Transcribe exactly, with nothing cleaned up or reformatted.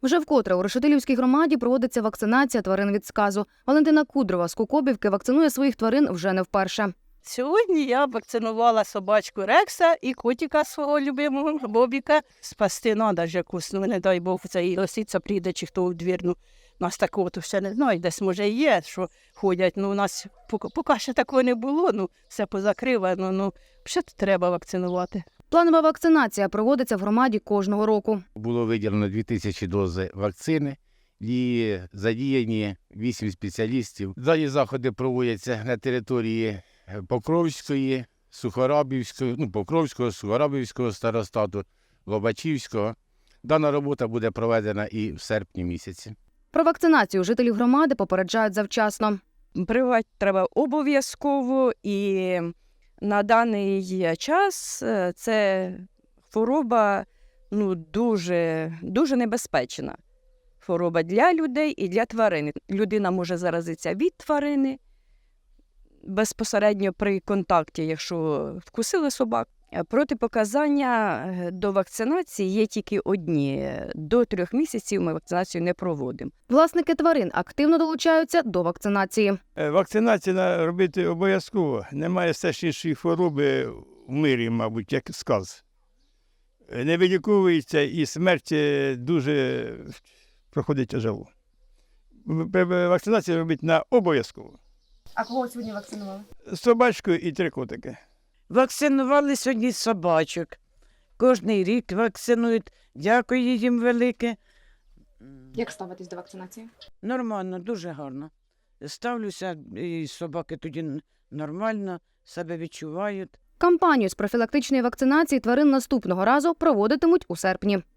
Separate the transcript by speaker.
Speaker 1: Вже вкотре у Решетилівській громаді проводиться вакцинація тварин від сказу. Валентина Кудрова з Кукобівки вакцинує своїх тварин вже не вперше.
Speaker 2: Сьогодні я вакцинувала собачку Рекса і котика свого любимого Бобіка. Спасти треба ж якусь, ну не дай Бог, це і лисиця прийде, чи хто у двір. Ну, нас такого то ще не знаю, десь може є, що ходять. Ну, у нас поки, поки ще такого не було, ну, все позакривано, ну, ще треба вакцинувати.
Speaker 1: Планова вакцинація проводиться в громаді кожного року.
Speaker 3: Було виділено дві тисячі дози вакцини і задіяні вісім спеціалістів. Дані заходи проводяться на території Покровської, Сухорабівської, ну, Покровського, Сухорабівського старостату, Лобачівського. Дана робота буде проведена і в серпні місяці.
Speaker 1: Про вакцинацію жителів громади попереджають завчасно.
Speaker 4: Прививати треба обов'язково, і на даний час е, це хвороба ну, дуже, дуже небезпечна. Хвороба для людей і для тварин. Людина може заразитися від тварини безпосередньо при контакті, якщо вкусили собак. Протипоказання до вакцинації є тільки одні. До трьох місяців ми вакцинацію не проводимо.
Speaker 1: Власники тварин активно долучаються до вакцинації.
Speaker 5: Вакцинацію треба робити обов'язково. Немає страшнішої хвороби в мирі, мабуть, як сказ. Не виліковується і смерть дуже проходить тяжело. Вакцинацію робити на обов'язково.
Speaker 1: А кого сьогодні вакцинували?
Speaker 5: Собачку і три котики.
Speaker 6: Вакцинували сьогодні собачок. Кожний рік вакцинують. Дякую їм велике.
Speaker 1: Як ставитись до вакцинації?
Speaker 6: Нормально, дуже гарно. Ставлюся, і собаки тоді нормально себе відчувають.
Speaker 1: Кампанію з профілактичної вакцинації тварин наступного разу проводитимуть у серпні.